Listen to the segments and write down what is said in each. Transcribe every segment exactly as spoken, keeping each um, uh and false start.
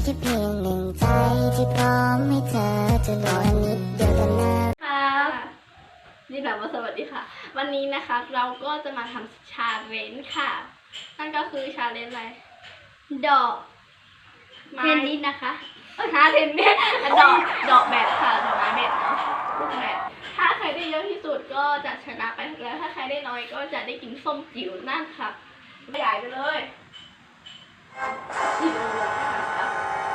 แค่เพียงหนึ่งใจที่พร้อมให้เธอจะรอนิดเดียวกันนะครับนี่แบบว่าสวัสดีค่ะวันนี้นะคะเราก็จะมาทำชาเลนจ์ค่ะนั่นก็คือชาเลนจ์อะไรดอกไม้นี้นะคะเออชาเลนจ์เนี่ยดอกดอกแบบค่ะดอกไม้แบบเนาะลูกแบบถ้าใครได้เยอะที่สุดก็จะชนะไปแล้วถ้าใครได้น้อยก็จะได้กินส้มจิ๋วนั่นค่ะใหญ่ไปเลยจิ๋วเลยนะคะ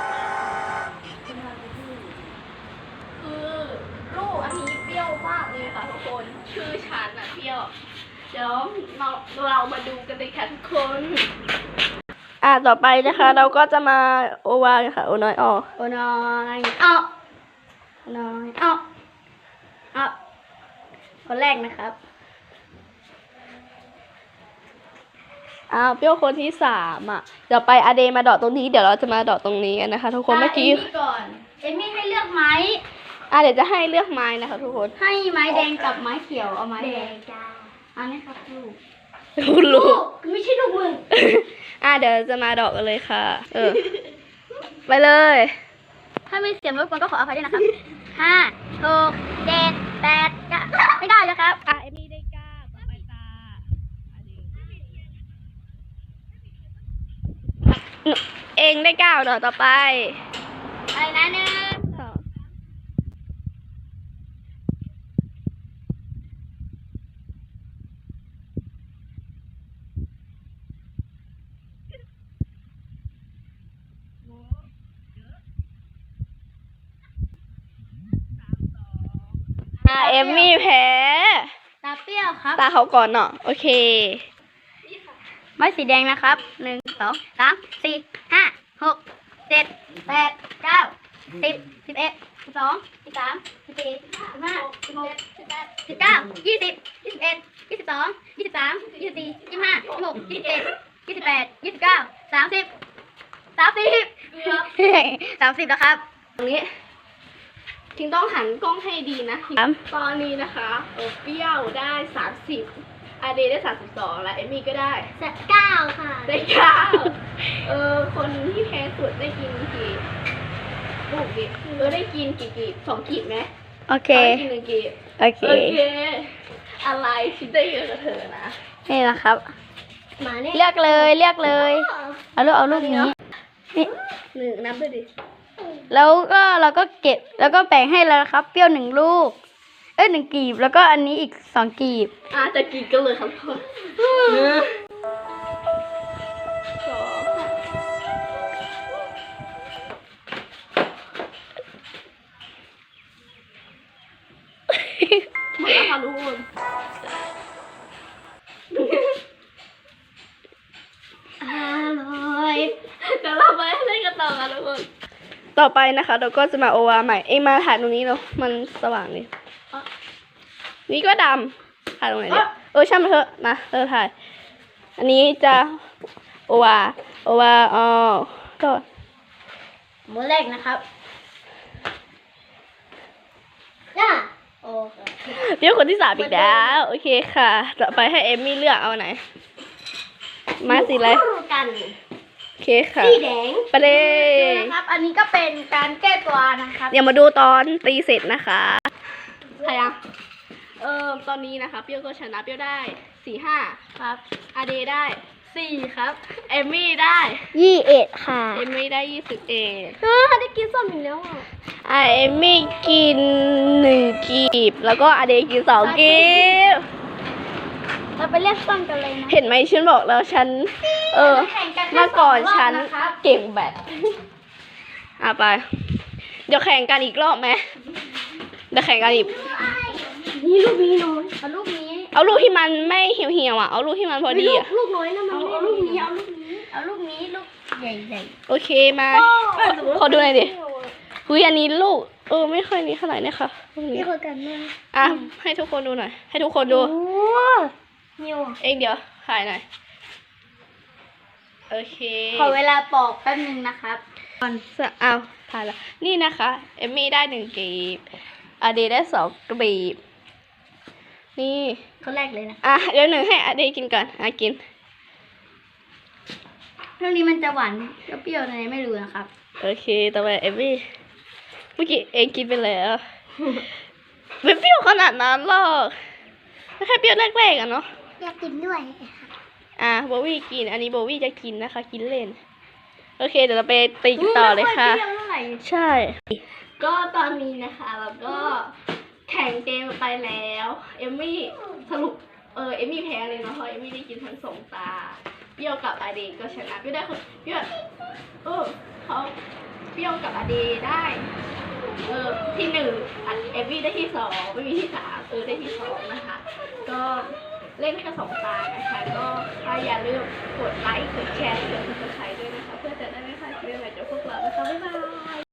คือลูกอันนี้เปรี้ยวมากเลยค่ะทุกคนชื่อฉันน่ะเปรี้ยวเดี๋ยวเราเรามาดูกันเลยค่ะทุกคนอ่าต่อไปนะคะเราก็จะมาโอวาค่ะโอน้อยออโอน้อยออโอน้อยออออคนแรกนะครับอ้าวเปรี้ยวคนที่สามอ่ะเดี๋ยวไปอาเดมาดอดตรงนี้เดี๋ยวเราจะมาดอดตรงนี้กันนะคะทุกคนเมื่อกี้ก่อนเอมี่ให้เลือกไม้อ่ะเดี๋ยวจะให้เลือกไม้นะคะทุกคนให้ไม้แดงกับไม้เขียวเอาไม้แดงจ้าอันนี้ครับลูกลูกไม่ใช่ลูกมึงอ่ะเดี๋ยวจะมาดอกกันเลยค่ะเออไปเลยถ้ามีเสียงรบกวนก็ขออภัยด้วยนะครับห้าหกเจ็ดแปดเก้าไม่ได้แล้วครับอ่ะเอมี่ได้เก้าต่อไปตาเองได้เก้าดอกต่อไปอะไรนะหนึ่งอ่ะเอมมี่แพ้ตาเปรี้ยวครับตาเขาก่อนเนาะโอเคไม้สีแดงนะครับหนึ่งสองสามสี่ห้าหกเจ็ดแปดเก้าสิบสิบเอ็ดสิบสองสิบสามสิบสี่สิบห้าสิบหกสิบแปดสิบเก้ายี่สิบยี่สิบเอ็ดยี่สิบสองยี่สิบสามยี่สิบสี่ยี่สิบห้ายี่สิบหกยี่สิบเจ็ดยี่สิบแปดยี่สิบเก้าสามสิบสามสิบสามสิบแล้วครับตรงนี้ทิ้งต้องหันกล้องให้ดีนะตอนนี้นะคะเออเปรี้ยวได้สามสิบอาเดได้สามสิบสองแล้วเอมี่ก็ได้เก้าค่ะได้เก้าเออคนที่แพ้สุดได้กินกี่ลูกดิเออได้กินกี่กีบสองกีบไหมโอเคได้กินหนึ่งกีบโอเคโอเคอะไรคิดได้เยอะกับเธอนะนี่นะครับมาเนี่ยเลือกเลยเลือกเลยเอาลูกเอาลูกนี้นี่หนึ่งนับด้วยดิแล้วก็เราก็เก็บแล้วก็แบ่งให้แล้วครับเปรี้ยวหนึ่งลูกเอ้ยหนึ่งกีบแล้วก็อันนี้อีกสองกีบอ่ะจะกีบกันเลยครับพ่อหนึ่งสองหมดแล้วค่ะทุกคนอร่อยเดี๋ยวเราไปเล่นกันต่อค่ะทุกคนต่อไปนะคะเราก็จะมาโอวาใหม่เองมาถ่ายตรงนี้เนาะมันสว่างเลยนี่ก็ดำถ่ายตรงไหนเนี่ยเออช่างมันเถอะมาเริ่มถ่ายอันนี้จะโอวาโอวาอ๋อก็มือแรกนะครับจ้าโอเคเดี๋ยวคนที่สามอีกแล้วโอเคค่ะต่อไปให้เอมมี่เลือกเอาไหนมาสีอะไรกันโอเคค่ะสีแดงไปเลยนะครับอันนี้ก็เป็นการแก้ตัวนะครับเดี๋ยวมาดูตอนตีเสร็จนะคะใครอ่ะเออตอนนี้นะคะเปรี้ยวก็ชนะเปรี้ยวได้สี่ห้าครับอาเดได้สี่ครับเอมมี่ได้ยี่เอ็ดค่ะเอมมี่ได้ยี่สิบเอ็ดเออได้กินส้มอีกแล้วอ่ะอ่ะเอมมี่กินหนึ่งกีบแล้วก็อาเดกินสองกีบเราไปเรียกส้มกันเลยนะเห็นไหมฉันบอกแล้วฉันเออเมื่อก่อนฉันเก่งแบบอ่ะไปเดี๋ยวแข่งกันอีกรอบไหมเดี๋ยวแข่งกันอีกนี่ลูกนี้น้อยเอาลูกนี้เอาลูกที่มันไม่เหี่ยวๆอ่ะเอาลูกที่มันพอดีอ่ะลูกน้อยนะมันเอาลูกนี้เอาลูกนี้เอาลูกนี้ลูกใหญ่ๆโอเคมาขอดูหน่อยดิคุยอันนี้ลูกเออไม่ค่อยนี้เท่าไหร่เนี่ยค่ะนี่คือกันเลยอ่ะให้ทุกคนดูหน่อยให้ทุกคนดูเองเดี๋ยวถ่ายหน่อยโอเคขอเวลาปอกแป๊บนึงนะครับก่อนเอาถ่ายละนี่นะคะเอมมี่ได้หนึ่งกีบอาเดได้สองกีบนี่คนแรกเลยนะอ่ะเดี๋ยวหนึ่งให้อาเดกินก่อนอ่ะกินเรื่องนี้มันจะหวานเปรี้ยวๆอะไรไม่รู้นะครับโอเคต่อไปเอมมี่เมื่อกี้เองกินไปแล้ว ไม่เปรี้ยวขนาดนั้นหรอกแค่เปรี้ยวแรกๆอะเนาะอยากกินด้วยอ่ะโบวี่กิน อันนี้โบวี่จะกินนะคะ กินเล่น โอเค เดี๋ยวเราไปตีกันต่อเลยค่ะไม่อยเปรี้ยวเท่าไหร่ใช่ ก็ตอนนี้นะคะเราก็แข่งเกมไปแล้ว เอมมี่สรุปเออเอมมี่แพ้เลยเนาะเพราะเอมมี่ได้กินทั้งสองตาเปรี้ยวกับอาเดก็ชนะเปรี้ยวได้คนเปรี้ยวเออเขาเปรี้ยวกับอาเดได้เออที่หนึ่งอันเอมมี่ได้ที่สองไม่มีที่สามเออได้ที่สองนะคะ ก็เล่นแค่สองตานะคะ ก็ถ้าอย่าลืมกดไลค์กดแชร์กดติดตามด้วยนะคะ เพื่อจะได้ไม่พลาดคลิปใหม่จากพวกเรานะคะบ๊ายบาย